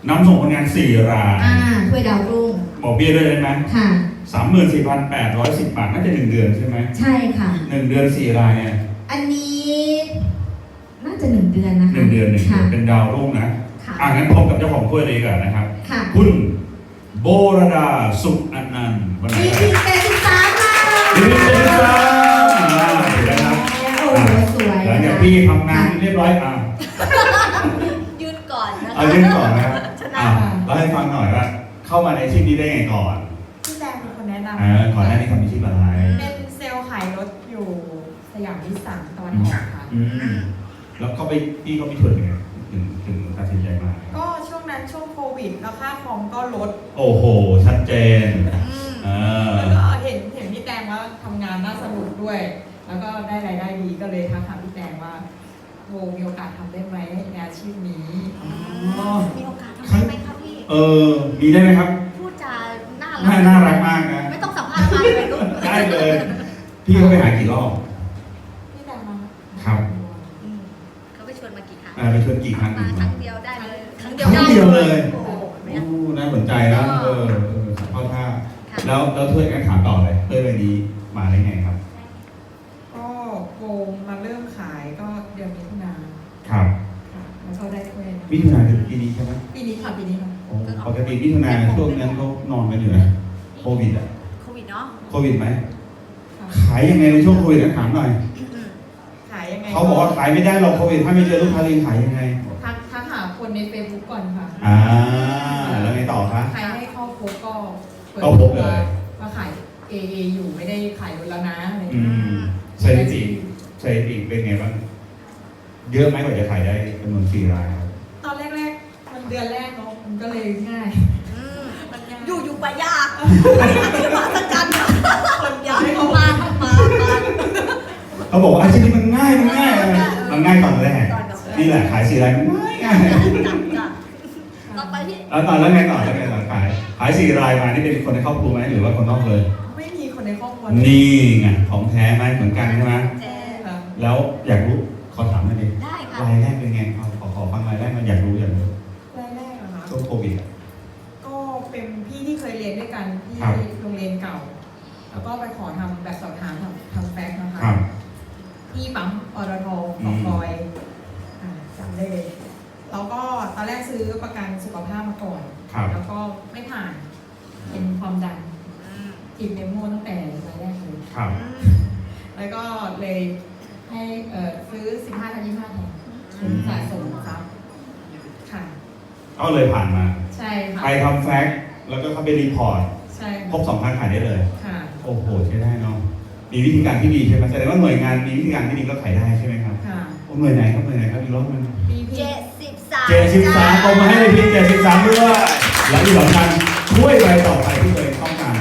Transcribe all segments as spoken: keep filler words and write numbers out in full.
นำส่งผลงานสี่รายอ่าถ้วยดาวรุ่งบอกเบี้ยด้วยได้ไหมค่ะสามหมื่นสี่พันแปดร้อยสิบบาทน่าจะหนึ่งเดือนใช่ไหมใช่ค่ะหนึ่งเดือนสี่รายเนี่ยอันนี้น่าจะหนึ่งเดือนนะคะหนึ่งเดือนหนึ่งเป็นดาวรุ่งนะอ่างั้นพบกับเจ้าของถ้วยเลยก่อนนะครับคุณโบรดาสุขอนันต์วันนี้ดีเจ็ดสิบสามค่ะดีเจ็ดสิบสามเห็นไหมครับโอ้สวยหลังจากพี่ทำงานเรียบร้อยอ่ะยืนก่อนนะเอายื่นก่อนนะครับอ่าเล่าให้ฟังหน่อยว่าเข้ามาในอาชีพนี้ได้ไงก่อนพี่แดงเป็นคนแนะนำอ่าก่อนหน้านี้ทำอาชีพอะไรเป็นเซลล์ขายรถอยู่สยามวิสานตอนออกค่ะอืมแล้วก็ไปพี่ก็ไปถ่วนยังไงถึงถึงตัดสินใจมาก็ช่วงนั้นช่วงโควิดแล้วค่าคอมก็ลดโอ้โหชัดเจนแล้วก็เห็นเห็นพี่แดงว่าทำงานน่าสนุกด้วย แล้วก็ได้รายได้ดีก็เลยทักถามพี่แดงว่าโบมีโอกาสทำได้ไหมในอาชีพนี้มีโอกาสทำได้ไหมครับพี่เออมีได้ไหมครับพูดจาน่ารักน่ารักมากนะไม่ต้องสัมภาษณ์มาเลยลูกได้เลยพี่เขาไปหากี่รอบพี่แดงมาครับเขาไปชวนมากี่ครั้งไปชวนกี่ครั้งมาครั้งเดียวได้เลยครั้งเดียวครั้งเดียวเลยโอ้น่าสนใจนะเออเข้าท่าแล้วแล้วถ้วยงั้นถามต่อเลยถ้วยใบนี้มาได้ไงครับก็โบมาเริ่มขายก็เดือนมิถุนาครับแล้วก็ได้ถ้วยมิถุนาคือปีนี้ใช่ไหมปีนี้ค่ะปีนี้ค่ะปกติมิถุนาช่วงนั้นก็นอนกันอยู่นะโควิดอ่ะโควิดเนาะโควิดไหมขายยังไงในช่วงโควิดถามหน่อยขายยังไงเขาบอกว่าขายไม่ได้หรอกโควิดถ้าไม่เจอลูกค้าเองขายยังไงทักทักหาคนในเฟซบุ๊กก่อนค่ะอ่าแล้วไงต่อคะใครให้เข้าพบก็เข้าพบเลยมาขายเอเออยู่ไม่ได้ขายแล้วนะอะไรอย่างเงี้ยสถิติสถิติเป็นไงบ้างเยอะไหมกว่าจะขายได้จำนวนสี่รายตอนแรกๆมันเดือนแรกเนาะมันก็เลยง่ายอยู่อยู่ไปยากมาสักกันคนยากเข้ามาเข้ามาเขาบอกว่าอาชีพนี้มันง่ายมันง่ายมันง่ายตอนแรกนี่แหละขายสี่รายมันง่ายง่ายต่อไปที่แล้วตอนแล้วไงต่อแล้วไงต่อขายขายสี่รายมานี่เป็นคนในครอบครัวไหมหรือว่าคนนอกเลยไม่มีคนในครอบครัวนี่ไงของแท้ไหมเหมือนกันใช่ไหมแล้วอยากรู้ขอถามหน่อยดิรายแรกเป็นไงขอขอฟังรายแรกมันอยากรู้อยากรู้รายแรกเหรอคะช่วงโควิดก็เป็นพี่ที่เคยเรียนด้วยกันที่โรงเรียนเก่าแล้วก็ไปขอทำแบบสอบถามทำทำแฟกซ์นะคะที่ปั๊มอรทของคอยจำได้เลยแล้วก็ตอนแรกซื้อประกันสุขภาพมาก่อนแล้วก็ไม่ผ่านเป็นความดันกินเมโม่ตั้งแต่รายแรกเลยแล้วก็เลยให้ซื้อสิบห้าทันยี่ห้าแทนเป็นสะสมทรัพย์ค่ะก็เลยผ่านมาใช่ค่ะไปทำแฟกซ์แล้วก็เข้าไปรีพอร์ตใช่ครบสองครั้งขายได้เลยค่ะโอ้โหใช้ได้เนาะมีวิธีการที่ดีใช่ไหมแสดงว่าหน่วยงานมีวิธีการที่ดีก็ขายได้ใช่ไหมครับค่ะหน่วยไหนครับหน่วยไหนครับอีกรอบนึงเจ็ดสิบสามเจ็ดสิบสามเอามาให้เลยพี่เจ็ดสิบสามด้วยแล้วที่สำคัญช่วยไปต่อไปที่ตัวเองต้องการ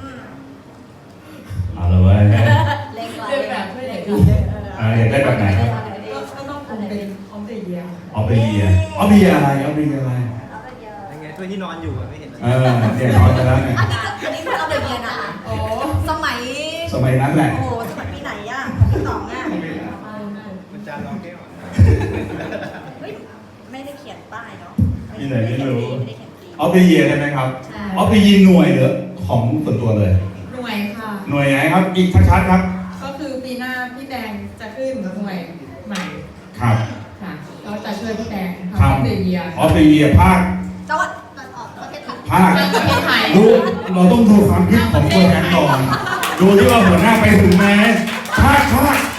เอาละเว้ยเล่นแบบไม่ได้ดีอยากได้แบบไหนครับก็ต้องเป็นออมเบียออมเบียออมเบียอะไรออมเบียอะไรยังไงตัวที่นอนอยู่ไม่เห็นเออเดี๋ยวนอนไปแล้วไงอันนี้อันนี้คือออมเบียนะโอ้สมัยสมัยนั้นแหละโอ้สมัยปีไหนอ่ะปีสองอ่ะมันจานร้องแก้วเฮ้ยไม่ได้เขียนป้ายเนาะนี่ไหนไม่รู้ออฟเบียใช่ไหมครับออฟเบียหน่วยหรือของส่วนตัวเลยหน่วยค่ะหน่วยไหนครับอีกชัดๆครับก็คือปีหน้าพี่แดงจะขึ้นหน่วยใหม่ครับค่ะเราจะช่วยพี่แดงทำออฟเบียออฟเบียภาคจังหวัดออกประเทศไทยภาคดูเราต้องดูความคิดของตัวแทนก่อนดูที่ว่าหัวหน้าไปถึงไหมภาคภาค